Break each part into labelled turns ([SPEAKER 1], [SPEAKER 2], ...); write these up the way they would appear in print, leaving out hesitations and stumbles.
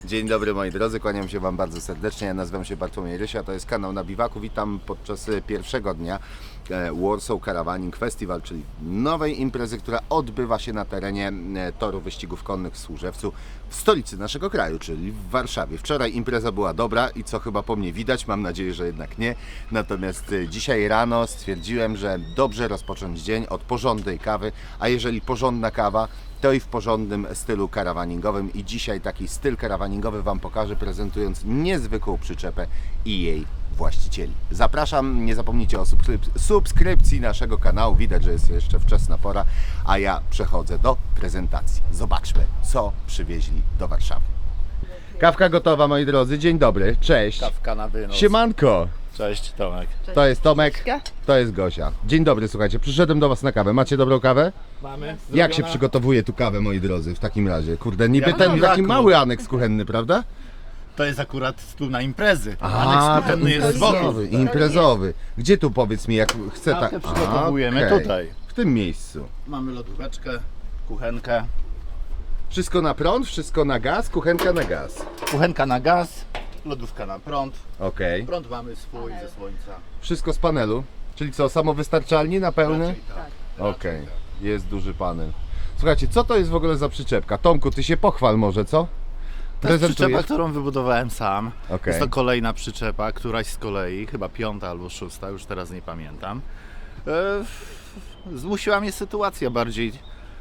[SPEAKER 1] Dzień dobry moi drodzy, kłaniam się Wam bardzo serdecznie, ja nazywam się Bartłomiej Rysia, to jest kanał Na Biwaku. Witam podczas pierwszego dnia Warsaw Caravaning Festival, czyli nowej imprezy, która odbywa się na terenie toru wyścigów konnych w Służewcu, w stolicy naszego kraju, czyli w Warszawie. Wczoraj impreza była dobra i co chyba po mnie widać, mam nadzieję, że jednak nie. Natomiast dzisiaj rano stwierdziłem, że dobrze rozpocząć dzień od porządnej kawy, a jeżeli porządna kawa, to i w porządnym stylu karawaningowym i dzisiaj taki styl karawaningowy Wam pokażę, prezentując niezwykłą przyczepę i jej właścicieli. Zapraszam, nie zapomnijcie o subskrypcji naszego kanału, widać, że jest jeszcze wczesna pora, a ja przechodzę do prezentacji. Zobaczmy, co przywieźli do Warszawy. Kawka gotowa, moi drodzy, dzień dobry, cześć.
[SPEAKER 2] Kawka na wynos.
[SPEAKER 1] Siemanko,
[SPEAKER 2] Cześć Tomek.
[SPEAKER 1] to jest Tomek, to jest Gosia. Dzień dobry, słuchajcie, przyszedłem do Was na kawę, macie dobrą kawę?
[SPEAKER 2] Mamy.
[SPEAKER 1] Jak się przygotowuje tu kawę, moi drodzy, w takim razie? Kurde, niby
[SPEAKER 2] Jak
[SPEAKER 1] ten
[SPEAKER 2] na
[SPEAKER 1] taki
[SPEAKER 2] braku.
[SPEAKER 1] mały aneks kuchenny, prawda?
[SPEAKER 2] To jest akurat tu na imprezy.
[SPEAKER 1] A,
[SPEAKER 2] Aneks kuchenny jest z boku.
[SPEAKER 1] imprezowy. Gdzie tu, powiedz mi, jak chcę tak...
[SPEAKER 2] Kawkę przygotowujemy
[SPEAKER 1] okej.
[SPEAKER 2] tutaj.
[SPEAKER 1] W tym miejscu.
[SPEAKER 2] Mamy lodóweczkę, kuchenkę.
[SPEAKER 1] Wszystko na prąd, wszystko na gaz, kuchenka na gaz.
[SPEAKER 2] Kuchenka na gaz, lodówka na prąd.
[SPEAKER 1] Okej.
[SPEAKER 2] Prąd mamy swój ze słońca.
[SPEAKER 1] Wszystko z panelu. Czyli co, samowystarczalnie na pełny?
[SPEAKER 2] Raczej tak.
[SPEAKER 1] Okej.
[SPEAKER 2] Raczej tak.
[SPEAKER 1] Jest duży panel. Słuchajcie, co to jest w ogóle za przyczepka? Tomku, ty się pochwal może, co?
[SPEAKER 2] To jest przyczepa,
[SPEAKER 1] Prezentujesz?
[SPEAKER 2] którą wybudowałem sam.
[SPEAKER 1] Okej.
[SPEAKER 2] Jest to kolejna przyczepa, któraś z kolei, chyba 5. albo 6, już teraz nie pamiętam. Zmusiła mnie sytuacja bardziej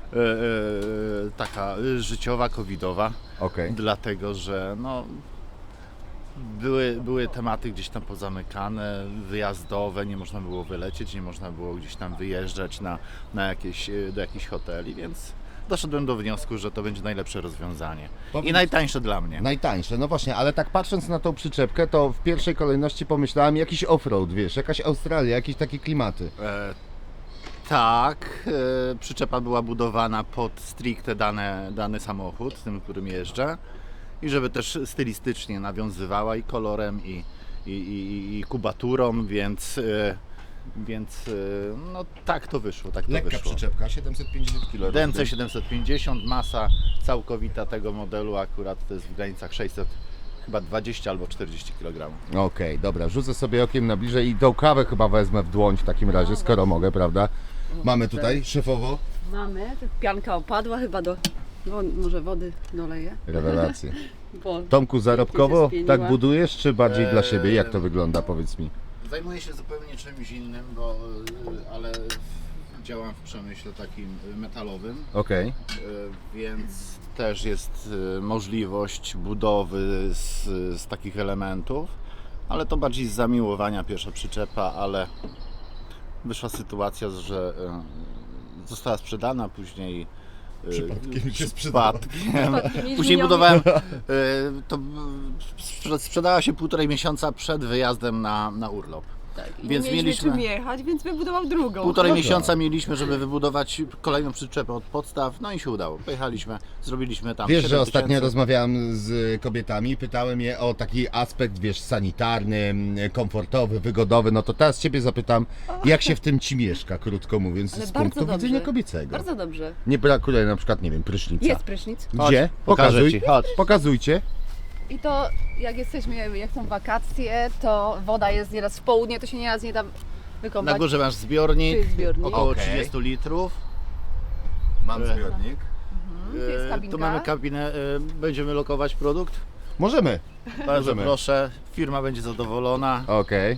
[SPEAKER 2] taka życiowa, covidowa.
[SPEAKER 1] Okej.
[SPEAKER 2] Dlatego, że no, były tematy gdzieś tam pozamykane, wyjazdowe, nie można było wylecieć, nie można było gdzieś tam wyjeżdżać do jakichś hoteli, więc doszedłem do wniosku, że to będzie najlepsze rozwiązanie. I najtańsze dla mnie.
[SPEAKER 1] Najtańsze, no właśnie, ale tak patrząc na tą przyczepkę, to w pierwszej kolejności pomyślałem jakiś offroad, wiesz, jakaś Australia, jakieś takie klimaty.
[SPEAKER 2] Tak, przyczepa była budowana pod stricte dany samochód, tym, którym jeżdżę. I żeby też stylistycznie nawiązywała i kolorem, i kubaturą, więc no tak to wyszło, tak to
[SPEAKER 1] Lekka
[SPEAKER 2] wyszło.
[SPEAKER 1] przyczepka, 750 kg.
[SPEAKER 2] Dęce 750, masa całkowita tego modelu akurat to jest w granicach 600, chyba 20 albo 40 kg.
[SPEAKER 1] Okej, dobra, rzucę sobie okiem na bliżej i tą kawę chyba wezmę w dłoń w takim razie, skoro mogę, prawda? Mamy tutaj szefowo.
[SPEAKER 3] Mamy, pianka opadła chyba może wody doleję.
[SPEAKER 1] Rewelacje.
[SPEAKER 3] Bo
[SPEAKER 1] Tomku, zarobkowo
[SPEAKER 3] spieniła.
[SPEAKER 1] tak budujesz, czy bardziej dla siebie? Jak to wygląda, powiedz mi?
[SPEAKER 2] Zajmuję się zupełnie czymś innym, ale działam w przemyśle takim metalowym.
[SPEAKER 1] Okej.
[SPEAKER 2] Więc też jest możliwość budowy z takich elementów, ale to bardziej z zamiłowania pierwsza przyczepa, ale wyszła sytuacja, że została sprzedana, później
[SPEAKER 1] Przypadkiem się sprzedała.
[SPEAKER 3] Przypadkiem
[SPEAKER 2] Później
[SPEAKER 3] nie
[SPEAKER 2] budowałem, to sprzedała się 1,5 miesiąca przed wyjazdem na urlop.
[SPEAKER 3] Tak, i
[SPEAKER 2] Więc
[SPEAKER 3] nie mieliśmy
[SPEAKER 2] mieliśmy-
[SPEAKER 3] czym jechać, więc wybudował drugą.
[SPEAKER 2] 1,5 miesiąca mieliśmy, żeby wybudować kolejną przyczepę od podstaw, no i się udało. Pojechaliśmy, zrobiliśmy tam
[SPEAKER 1] Wiesz, że
[SPEAKER 2] 7
[SPEAKER 1] ostatnio
[SPEAKER 2] tysięcy.
[SPEAKER 1] rozmawiałem z kobietami, pytałem je o taki aspekt, wiesz, sanitarny, komfortowy, wygodowy, no to teraz Ciebie zapytam, jak się w tym Ci mieszka, krótko mówiąc,
[SPEAKER 3] Ale
[SPEAKER 1] z
[SPEAKER 3] bardzo
[SPEAKER 1] punktu
[SPEAKER 3] dobrze.
[SPEAKER 1] widzenia kobiecego.
[SPEAKER 3] Bardzo dobrze.
[SPEAKER 1] Nie brakuje na przykład, nie wiem, prysznica.
[SPEAKER 3] Jest prysznic.
[SPEAKER 1] Gdzie?
[SPEAKER 2] Chodź, pokażę
[SPEAKER 1] Pokazuj.
[SPEAKER 2] Ci, chodź.
[SPEAKER 1] Pokazujcie.
[SPEAKER 3] I to jak są wakacje, to woda jest nieraz w południe, to się nieraz nie da wykąpać.
[SPEAKER 2] Na górze masz zbiornik,
[SPEAKER 3] Tu jest zbiornik.
[SPEAKER 2] około
[SPEAKER 1] Okej.
[SPEAKER 2] 30 litrów.
[SPEAKER 1] Mam zbiornik.
[SPEAKER 3] Tu jest kabinka.
[SPEAKER 2] Tu mamy kabinę, będziemy lokować produkt.
[SPEAKER 1] Możemy.
[SPEAKER 2] Bardzo
[SPEAKER 1] Możemy.
[SPEAKER 2] proszę, firma będzie zadowolona.
[SPEAKER 1] Okej.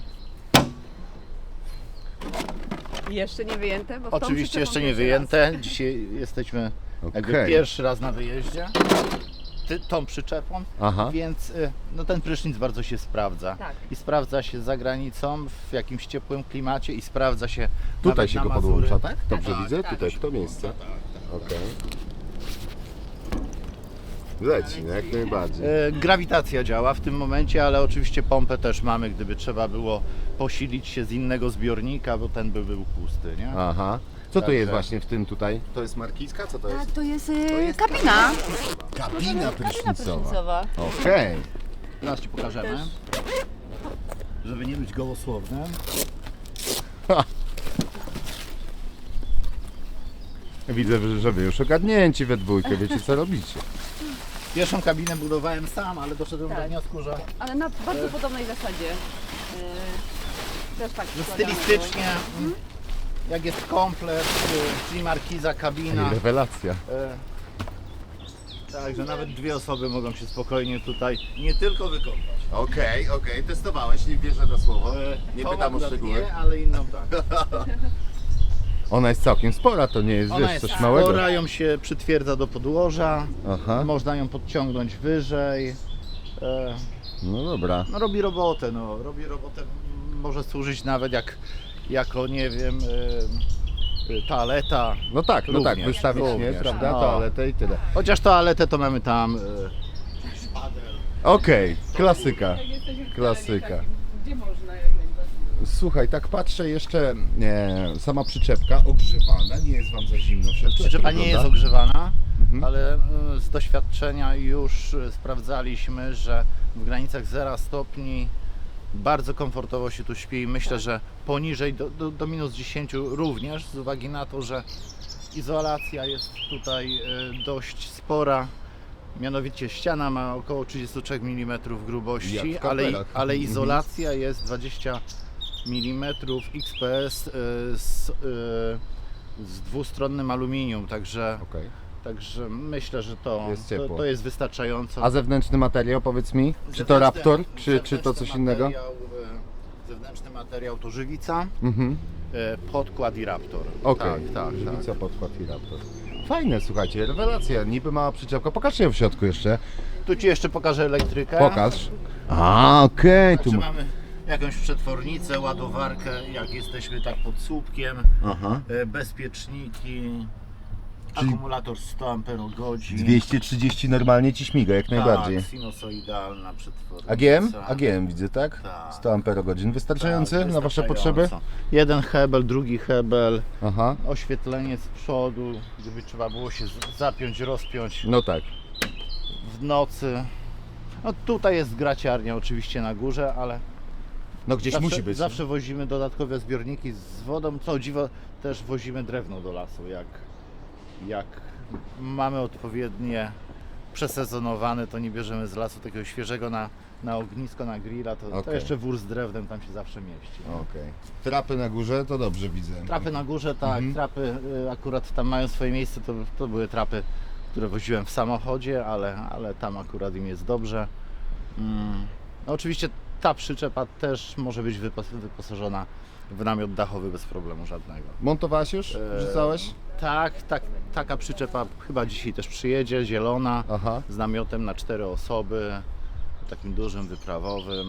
[SPEAKER 3] Jeszcze nie wyjęte, bo w tą
[SPEAKER 2] Oczywiście
[SPEAKER 3] przyczepą
[SPEAKER 2] jeszcze nie
[SPEAKER 3] pierwszy
[SPEAKER 2] wyjęte. Dzisiaj jesteśmy jakby
[SPEAKER 1] Okej.
[SPEAKER 2] pierwszy raz na wyjeździe tą przyczepą,
[SPEAKER 1] Aha.
[SPEAKER 2] więc no ten prysznic bardzo się sprawdza.
[SPEAKER 3] Tak.
[SPEAKER 2] I sprawdza się za granicą, w jakimś ciepłym klimacie i sprawdza się
[SPEAKER 1] Tutaj
[SPEAKER 2] nawet
[SPEAKER 1] się
[SPEAKER 2] na
[SPEAKER 1] go
[SPEAKER 2] Mazury.
[SPEAKER 1] podłącza, tak? Dobrze
[SPEAKER 2] Tak,
[SPEAKER 1] widzę?
[SPEAKER 2] tak,
[SPEAKER 1] Tutaj,
[SPEAKER 2] się
[SPEAKER 1] w to
[SPEAKER 2] podłącza,
[SPEAKER 1] miejsce.
[SPEAKER 2] tak, tak.
[SPEAKER 1] Okej. Leci, no jak najbardziej.
[SPEAKER 2] Grawitacja działa w tym momencie, ale oczywiście pompę też mamy, gdyby trzeba było posilić się z innego zbiornika, bo ten by był pusty, nie?
[SPEAKER 1] Aha. Co to
[SPEAKER 2] Także-
[SPEAKER 1] jest właśnie w tym tutaj? To jest markiska? Co to
[SPEAKER 3] Tak,
[SPEAKER 1] jest?
[SPEAKER 3] to jest kabina.
[SPEAKER 1] Kabina prysznicowa.
[SPEAKER 3] prysznicowa.
[SPEAKER 1] Okej.
[SPEAKER 2] Teraz Ci pokażemy, żeby nie być gołosłownym.
[SPEAKER 1] Widzę, że wy już ogarnięci we dwójkę, wiecie co robicie.
[SPEAKER 2] Pierwszą kabinę budowałem sam, ale doszedłem do
[SPEAKER 3] Tak.
[SPEAKER 2] wniosku, że
[SPEAKER 3] Ale na bardzo podobnej zasadzie. Też tak
[SPEAKER 2] że
[SPEAKER 3] składamy
[SPEAKER 2] stylistycznie, jak jest komplet, czyli markiza, kabina.
[SPEAKER 1] Rewelacja.
[SPEAKER 2] Tak, że nawet dwie osoby mogą się spokojnie tutaj nie tylko wykąpać.
[SPEAKER 1] Okej, testowałeś, nie wierzę na słowo. Nie
[SPEAKER 2] Tą
[SPEAKER 1] pytam o
[SPEAKER 2] akurat
[SPEAKER 1] szczegóły.
[SPEAKER 2] Nie, ale inną tak.
[SPEAKER 1] Ona jest całkiem spora, to nie jest,
[SPEAKER 2] Ona
[SPEAKER 1] wiesz,
[SPEAKER 2] jest
[SPEAKER 1] coś małego.
[SPEAKER 2] spora, ją się przytwierdza do podłoża,
[SPEAKER 1] Aha,
[SPEAKER 2] można ją podciągnąć wyżej.
[SPEAKER 1] no dobra.
[SPEAKER 2] No robi robotę, może służyć nawet jako, nie wiem, toaleta.
[SPEAKER 1] No tak,
[SPEAKER 2] Również,
[SPEAKER 1] wystawić, nie,
[SPEAKER 2] również.
[SPEAKER 1] prawda,
[SPEAKER 2] No.
[SPEAKER 1] toaletę i tyle.
[SPEAKER 2] Chociaż toaletę to mamy tam.
[SPEAKER 1] Okej, klasyka.
[SPEAKER 3] Jak jesteśmy w
[SPEAKER 1] Klasyka.
[SPEAKER 3] terenie takim, gdzie można jak najbardziej.
[SPEAKER 1] Słuchaj, tak patrzę jeszcze, sama przyczepka ogrzewana, nie jest Wam za zimno w środku?
[SPEAKER 2] Przyczepa
[SPEAKER 1] Jak to
[SPEAKER 2] nie jest
[SPEAKER 1] wygląda?
[SPEAKER 2] ogrzewana,
[SPEAKER 1] Mhm.
[SPEAKER 2] ale z doświadczenia już sprawdzaliśmy, że w granicach 0 stopni bardzo komfortowo się tu śpi i myślę, że poniżej do minus 10 również, z uwagi na to, że izolacja jest tutaj dość spora. Mianowicie ściana ma około 33 mm
[SPEAKER 1] Jak
[SPEAKER 2] grubości,
[SPEAKER 1] w kapelach.
[SPEAKER 2] ale
[SPEAKER 1] Mhm.
[SPEAKER 2] izolacja jest 20 mm XPS z dwustronnym aluminium, także myślę, że
[SPEAKER 1] Jest ciepło.
[SPEAKER 2] to jest wystarczająco.
[SPEAKER 1] A zewnętrzny materiał, powiedz mi, czy to
[SPEAKER 2] Zewnętrzny-
[SPEAKER 1] Raptor, czy to
[SPEAKER 2] zewnętrzny
[SPEAKER 1] coś innego?
[SPEAKER 2] Zewnętrzny materiał to żywica,
[SPEAKER 1] Mhm.
[SPEAKER 2] podkład i Raptor.
[SPEAKER 1] Okej,
[SPEAKER 2] tak.
[SPEAKER 1] Żywica, podkład i Raptor. Fajne, słuchajcie, rewelacja, niby mała przyczepka. Pokażcie ją w środku jeszcze.
[SPEAKER 2] Tu Ci jeszcze pokażę elektrykę.
[SPEAKER 1] Pokaż. A, okej, tu
[SPEAKER 2] Czy
[SPEAKER 1] ma...
[SPEAKER 2] mamy jakąś przetwornicę, ładowarkę, jak jesteśmy tak pod słupkiem,
[SPEAKER 1] Aha.
[SPEAKER 2] bezpieczniki,
[SPEAKER 1] Czyli-
[SPEAKER 2] akumulator 100 Ah.
[SPEAKER 1] 230 normalnie Ci śmiga, jak najbardziej.
[SPEAKER 2] Tak, sinusoidalna przetwornica.
[SPEAKER 1] AGM widzę, tak?
[SPEAKER 2] Tak.
[SPEAKER 1] 100 Ah, wystarczający
[SPEAKER 2] Tak,
[SPEAKER 1] na Wasze
[SPEAKER 2] wystarczająco.
[SPEAKER 1] potrzeby?
[SPEAKER 2] Jeden hebel, drugi hebel,
[SPEAKER 1] Aha,
[SPEAKER 2] oświetlenie z przodu, gdyby trzeba było się zapiąć, rozpiąć
[SPEAKER 1] no tak.
[SPEAKER 2] w nocy. No tutaj jest graciarnia oczywiście na górze, ale
[SPEAKER 1] No gdzieś musi być.
[SPEAKER 2] zawsze wozimy dodatkowe zbiorniki z wodą. Co dziwo, też wozimy drewno do lasu, jak mamy odpowiednie przesezonowane, to nie bierzemy z lasu takiego świeżego na ognisko, na grilla, to
[SPEAKER 1] Okej.
[SPEAKER 2] jeszcze wór z drewnem tam się zawsze mieści.
[SPEAKER 1] Okej. Trapy na górze, to dobrze widzę.
[SPEAKER 2] Trapy na górze, tak, trapy akurat tam mają swoje miejsce, to były trapy, które woziłem w samochodzie, ale tam akurat im jest dobrze. No, oczywiście ta przyczepa też może być wyposażona w namiot dachowy bez problemu żadnego.
[SPEAKER 1] Montowałeś już? Wrzucałeś?
[SPEAKER 2] Tak, taka przyczepa chyba dzisiaj też przyjedzie, zielona,
[SPEAKER 1] Aha.
[SPEAKER 2] z namiotem na 4 osoby, takim dużym, wyprawowym.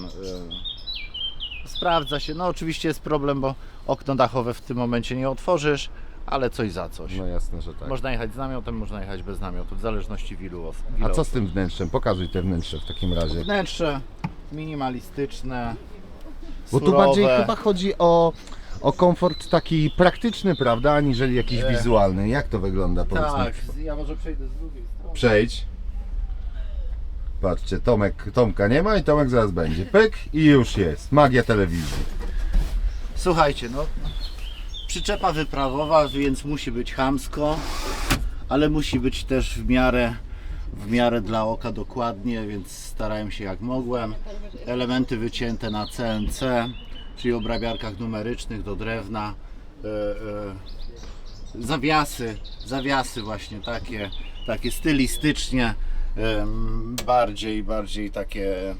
[SPEAKER 2] Sprawdza się, no oczywiście jest problem, bo okno dachowe w tym momencie nie otworzysz, ale coś za coś.
[SPEAKER 1] No jasne, że tak.
[SPEAKER 2] Można jechać z namiotem, można jechać bez namiotu, w zależności w ilu
[SPEAKER 1] A co z
[SPEAKER 2] osób.
[SPEAKER 1] tym wnętrzem? Pokazuj te wnętrze w takim razie.
[SPEAKER 2] Wnętrze minimalistyczne,
[SPEAKER 1] Bo tu
[SPEAKER 2] surowe.
[SPEAKER 1] bardziej chyba chodzi o komfort taki praktyczny, prawda, aniżeli jakiś wizualny. Jak to wygląda, powiedz
[SPEAKER 2] Tak,
[SPEAKER 1] mi?
[SPEAKER 2] ja może przejdę z drugiej strony.
[SPEAKER 1] Przejdź. Patrzcie, Tomka nie ma i Tomek zaraz będzie. Pyk i już jest. Magia telewizji.
[SPEAKER 2] Słuchajcie, no przyczepa wyprawowa, więc musi być chamsko, ale musi być też w miarę dla oka dokładnie, więc starałem się jak mogłem. Elementy wycięte na CNC, czyli obrabiarkach numerycznych do drewna. Zawiasy właśnie takie stylistycznie, bardziej takie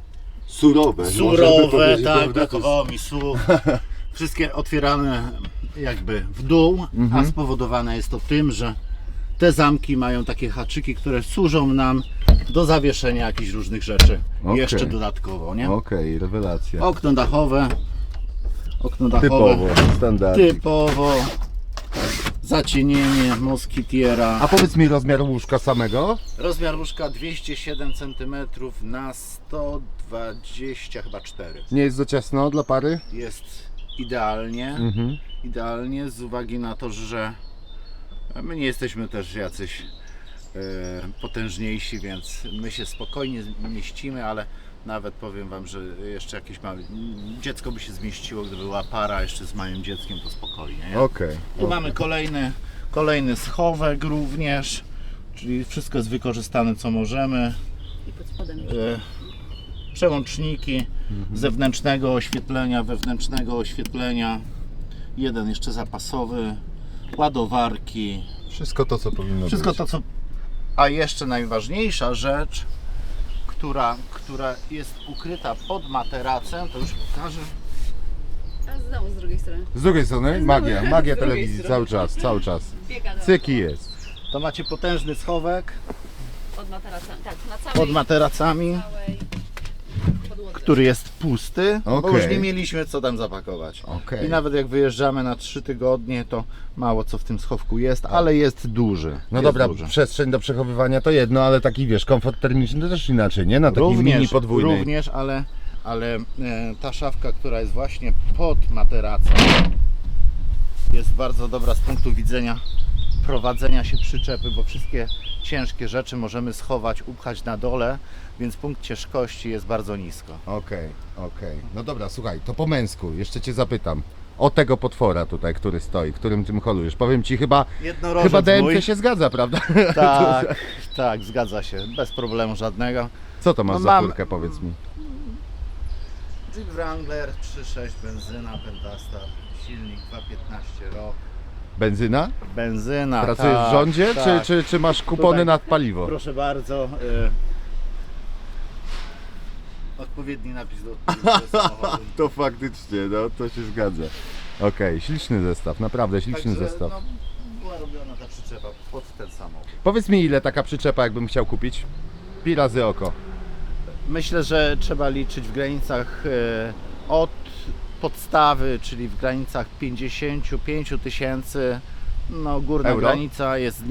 [SPEAKER 2] surowe, tak, brakowało mi słów. Wszystkie otwierane jakby w dół, a spowodowane jest to tym, że te zamki mają takie haczyki, które służą nam do zawieszenia jakichś różnych rzeczy.
[SPEAKER 1] Okej.
[SPEAKER 2] Jeszcze dodatkowo, nie?
[SPEAKER 1] Okej, rewelacja.
[SPEAKER 2] Okno dachowe.
[SPEAKER 1] Typowo, standardzik.
[SPEAKER 2] Typowo. Zacienienie moskitiera.
[SPEAKER 1] A powiedz mi rozmiar łóżka samego?
[SPEAKER 2] Rozmiar łóżka 207 cm na 120 chyba 4.
[SPEAKER 1] Nie jest za ciasno dla pary?
[SPEAKER 2] Jest idealnie.
[SPEAKER 1] Mhm.
[SPEAKER 2] Idealnie z uwagi na to, że my nie jesteśmy też jacyś potężniejsi, więc my się spokojnie mieścimy, ale nawet powiem Wam, że jeszcze jakieś małe dziecko by się zmieściło, gdyby była para jeszcze z małym dzieckiem, to spokojnie. Nie?
[SPEAKER 1] Okej.
[SPEAKER 2] Tu mamy kolejny schowek również, czyli wszystko jest wykorzystane co możemy.
[SPEAKER 3] I pod spodem.
[SPEAKER 2] Przełączniki zewnętrznego oświetlenia, wewnętrznego oświetlenia, jeden jeszcze zapasowy, ładowarki,
[SPEAKER 1] Wszystko to, co powinno
[SPEAKER 2] wszystko
[SPEAKER 1] być.
[SPEAKER 2] to co... A jeszcze najważniejsza rzecz, która jest ukryta pod materacem, to już pokażę.
[SPEAKER 3] A znowu z drugiej strony.
[SPEAKER 1] Z drugiej strony magia
[SPEAKER 3] z drugiej
[SPEAKER 1] telewizji
[SPEAKER 3] strony.
[SPEAKER 1] cały czas.
[SPEAKER 3] Biega do
[SPEAKER 1] Cyki jest.
[SPEAKER 2] To macie potężny schowek
[SPEAKER 3] pod materacami. Tak, na całej,
[SPEAKER 2] pod materacami,
[SPEAKER 3] całej podłodze.
[SPEAKER 2] który jest pusty, bo
[SPEAKER 1] Okej.
[SPEAKER 2] już nie mieliśmy co tam zapakować.
[SPEAKER 1] Okej.
[SPEAKER 2] I nawet jak wyjeżdżamy na 3 tygodnie, to mało co w tym schowku jest, ale jest duży.
[SPEAKER 1] No
[SPEAKER 2] jest
[SPEAKER 1] dobra,
[SPEAKER 2] duży.
[SPEAKER 1] przestrzeń do przechowywania to jedno, ale taki wiesz, komfort termiczny to też inaczej, nie? Na takiej mini podwójnej.
[SPEAKER 2] Również, ale ta szafka, która jest właśnie pod materacem, jest bardzo dobra z punktu widzenia prowadzenia się przyczepy, bo wszystkie ciężkie rzeczy możemy schować, upchać na dole, więc punkt ciężkości jest bardzo nisko.
[SPEAKER 1] Okej. No dobra, słuchaj, to po męsku, jeszcze Cię zapytam. O tego potwora tutaj, który stoi, którym tym holujesz. Powiem Ci, chyba DMC
[SPEAKER 2] mój.
[SPEAKER 1] się zgadza, prawda?
[SPEAKER 2] Tak, tak, zgadza się, bez problemu żadnego.
[SPEAKER 1] Co to masz
[SPEAKER 2] No
[SPEAKER 1] za
[SPEAKER 2] mam-
[SPEAKER 1] furkę, powiedz mi?
[SPEAKER 2] Jeep Wrangler 3.6 benzyna, Pentastar, silnik 2.15 rok.
[SPEAKER 1] Benzyna?
[SPEAKER 2] Benzyna.
[SPEAKER 1] Pracujesz
[SPEAKER 2] tak,
[SPEAKER 1] w rządzie,
[SPEAKER 2] tak.
[SPEAKER 1] czy masz kupony
[SPEAKER 2] Tutaj.
[SPEAKER 1] na paliwo?
[SPEAKER 2] Proszę bardzo. Odpowiedni napis do samochodu.
[SPEAKER 1] To faktycznie, no to się zgadza. Okej, śliczny zestaw, naprawdę śliczny
[SPEAKER 2] Także,
[SPEAKER 1] zestaw.
[SPEAKER 2] no, była robiona ta przyczepa pod ten samochód.
[SPEAKER 1] Powiedz mi, ile taka przyczepa, jakbym chciał kupić? Pi razy oko.
[SPEAKER 2] Myślę, że trzeba liczyć w granicach od podstawy, czyli w granicach 55 tysięcy. No, górna
[SPEAKER 1] Euro?
[SPEAKER 2] granica jest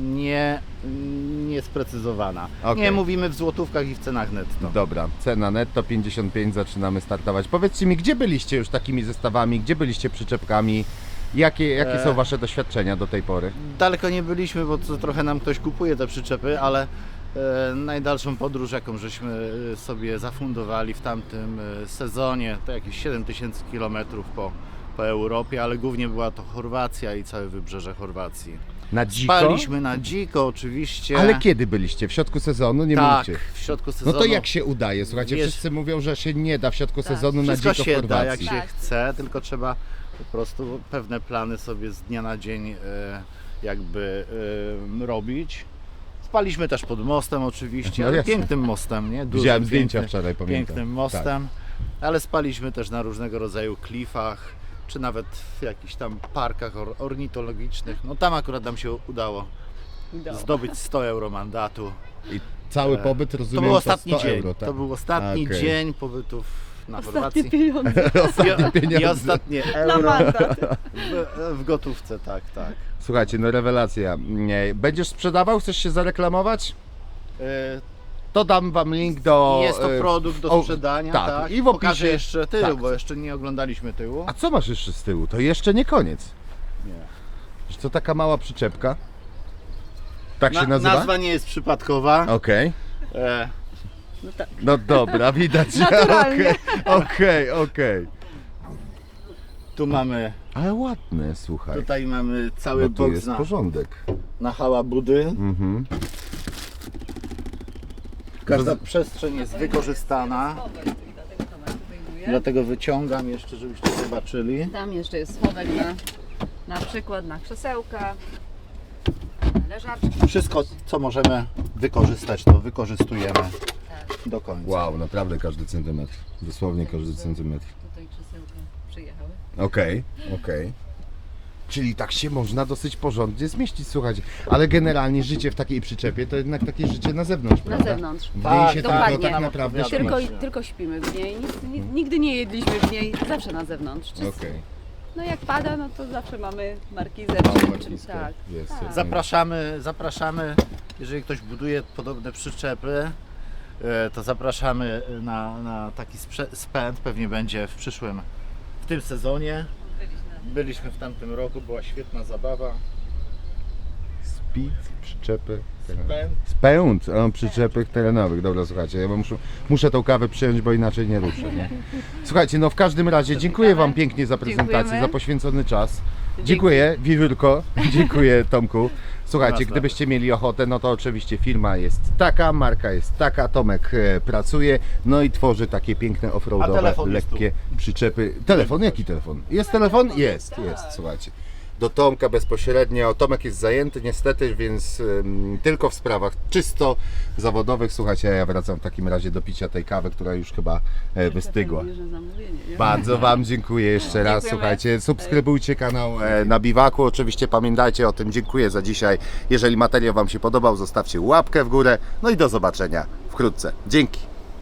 [SPEAKER 2] niesprecyzowana.
[SPEAKER 1] Okej.
[SPEAKER 2] Nie mówimy w złotówkach i w cenach netto.
[SPEAKER 1] Dobra, cena netto 55, zaczynamy startować. Powiedzcie mi, gdzie byliście już takimi zestawami, gdzie byliście przyczepkami? Jakie są Wasze doświadczenia do tej pory?
[SPEAKER 2] Daleko nie byliśmy, bo to trochę nam ktoś kupuje te przyczepy, ale najdalszą podróż, jaką żeśmy sobie zafundowali w tamtym sezonie, to jakieś 7000 km po Europie, ale głównie była to Chorwacja i całe wybrzeże Chorwacji.
[SPEAKER 1] Na dziko?
[SPEAKER 2] Spaliśmy na dziko oczywiście.
[SPEAKER 1] Ale kiedy byliście? W środku sezonu? Nie
[SPEAKER 2] tak,
[SPEAKER 1] mówcie.
[SPEAKER 2] w środku
[SPEAKER 1] No
[SPEAKER 2] sezonu.
[SPEAKER 1] to jak się udaje? Słuchajcie,
[SPEAKER 2] Jest-
[SPEAKER 1] wszyscy mówią, że się nie da w środku
[SPEAKER 3] Tak,
[SPEAKER 1] sezonu na
[SPEAKER 2] Wszystko
[SPEAKER 1] dziko w
[SPEAKER 2] się da, jak
[SPEAKER 1] Chorwacji.
[SPEAKER 2] się
[SPEAKER 3] Tak.
[SPEAKER 2] chce, tylko trzeba po prostu pewne plany sobie z dnia na dzień jakby robić. Spaliśmy też pod mostem oczywiście,
[SPEAKER 1] No
[SPEAKER 2] ale
[SPEAKER 1] jasne.
[SPEAKER 2] pięknym mostem, nie? Dużym,
[SPEAKER 1] Widziałem zdjęcia
[SPEAKER 2] pięknym-
[SPEAKER 1] wczoraj, pamiętam.
[SPEAKER 2] Pięknym mostem, ale spaliśmy też na różnego rodzaju klifach, czy nawet w jakichś tam parkach ornitologicznych. No tam akurat nam się udało zdobyć 100 euro mandatu.
[SPEAKER 1] I cały pobyt,
[SPEAKER 2] To
[SPEAKER 1] rozumiem,
[SPEAKER 2] był ostatni
[SPEAKER 1] 100
[SPEAKER 2] dzień.
[SPEAKER 1] euro, tak?
[SPEAKER 2] To był ostatni
[SPEAKER 1] Okej.
[SPEAKER 2] dzień pobytów na
[SPEAKER 3] Ostatnie
[SPEAKER 2] Chorwacji.
[SPEAKER 3] pieniądze
[SPEAKER 1] Ostatnie
[SPEAKER 2] I
[SPEAKER 1] pieniądze.
[SPEAKER 2] ostatnie
[SPEAKER 3] na
[SPEAKER 2] euro
[SPEAKER 3] mandat.
[SPEAKER 2] w gotówce, tak, tak.
[SPEAKER 1] Słuchajcie, no rewelacja. Nie, będziesz sprzedawał? Chcesz się zareklamować?
[SPEAKER 2] E,
[SPEAKER 1] To dam Wam link do...
[SPEAKER 2] Jest to produkt do
[SPEAKER 1] o,
[SPEAKER 2] sprzedania,
[SPEAKER 1] tak.
[SPEAKER 2] tak.
[SPEAKER 1] I w
[SPEAKER 2] Pokażę
[SPEAKER 1] opisie...
[SPEAKER 2] jeszcze tył,
[SPEAKER 1] tak.
[SPEAKER 2] bo jeszcze nie oglądaliśmy tyłu.
[SPEAKER 1] A co masz jeszcze z tyłu? To jeszcze nie koniec.
[SPEAKER 2] Nie.
[SPEAKER 1] Wiesz, to taka mała przyczepka. Tak się nazywa?
[SPEAKER 2] Nazwa nie jest przypadkowa.
[SPEAKER 1] Okej.
[SPEAKER 2] E,
[SPEAKER 3] No tak.
[SPEAKER 1] No dobra, widać.
[SPEAKER 3] Naturalnie.
[SPEAKER 1] Okej.
[SPEAKER 2] tu mamy,
[SPEAKER 1] Ale ładne, słuchaj.
[SPEAKER 2] tutaj mamy cały
[SPEAKER 1] No tu
[SPEAKER 2] boks
[SPEAKER 1] jest
[SPEAKER 2] na,
[SPEAKER 1] porządek.
[SPEAKER 2] na hałabudy.
[SPEAKER 1] Mhm.
[SPEAKER 2] Każda przestrzeń jest wykorzystana. Dlatego wyciągam jeszcze, żebyście zobaczyli.
[SPEAKER 3] Tam jeszcze jest schowek na przykład na krzesełka, na leżaczki.
[SPEAKER 2] Wszystko, co możemy wykorzystać, to wykorzystujemy do końca.
[SPEAKER 1] Wow, naprawdę każdy centymetr. Dosłownie każdy centymetr.
[SPEAKER 3] Tutaj krzesełka przyjechały.
[SPEAKER 1] Okej. Czyli tak się można dosyć porządnie zmieścić, słuchajcie. Ale generalnie życie w takiej przyczepie to jednak takie życie na zewnątrz,
[SPEAKER 3] Na
[SPEAKER 1] prawda?
[SPEAKER 3] zewnątrz.
[SPEAKER 1] W niej
[SPEAKER 2] Tak,
[SPEAKER 1] się
[SPEAKER 3] dokładnie.
[SPEAKER 1] tylko tak naprawdę śpi.
[SPEAKER 3] Tylko śpimy w niej. Nigdy nie jedliśmy w niej, zawsze na zewnątrz.
[SPEAKER 1] Okej.
[SPEAKER 3] No jak pada, no to zawsze mamy markizę.
[SPEAKER 1] Małą
[SPEAKER 3] czy
[SPEAKER 1] markizkę.
[SPEAKER 3] tak.
[SPEAKER 1] Jest,
[SPEAKER 3] Tak.
[SPEAKER 1] jest.
[SPEAKER 2] Zapraszamy, jeżeli ktoś buduje podobne przyczepy, to zapraszamy na taki spęd, pewnie będzie w tym sezonie. Byliśmy w tamtym roku, była świetna zabawa.
[SPEAKER 1] Speed, przyczepy.
[SPEAKER 2] Spęd.
[SPEAKER 1] Spęd, przyczepy terenowych. Dobra, słuchajcie, ja muszę tą kawę przyjąć, bo inaczej nie ruszę. Nie? Słuchajcie, no w każdym razie dziękuję Wam pięknie za prezentację,
[SPEAKER 3] Dziękujemy.
[SPEAKER 1] za poświęcony czas. Dziękuję, Wiewiórko, dziękuję Tomku. Słuchajcie,
[SPEAKER 2] Jasne.
[SPEAKER 1] gdybyście mieli ochotę, no to oczywiście firma jest taka, marka jest taka, Tomek pracuje, no i tworzy takie piękne
[SPEAKER 2] A
[SPEAKER 1] offroadowe,
[SPEAKER 2] telefon jest
[SPEAKER 1] lekkie przyczepy. Telefon? Jaki telefon? Jest telefon? Jest, słuchajcie. Do Tomka bezpośrednio. Tomek jest zajęty niestety, więc tylko w sprawach czysto zawodowych. Słuchajcie, ja wracam w takim razie do picia tej kawy, która już chyba wystygła. Bardzo Wam dziękuję jeszcze raz.
[SPEAKER 3] Dziękujemy.
[SPEAKER 1] Słuchajcie, subskrybujcie kanał na Biwaku. Oczywiście pamiętajcie o tym. Dziękuję za dzisiaj. Jeżeli materiał Wam się podobał, zostawcie łapkę w górę. No i do zobaczenia wkrótce. Dzięki.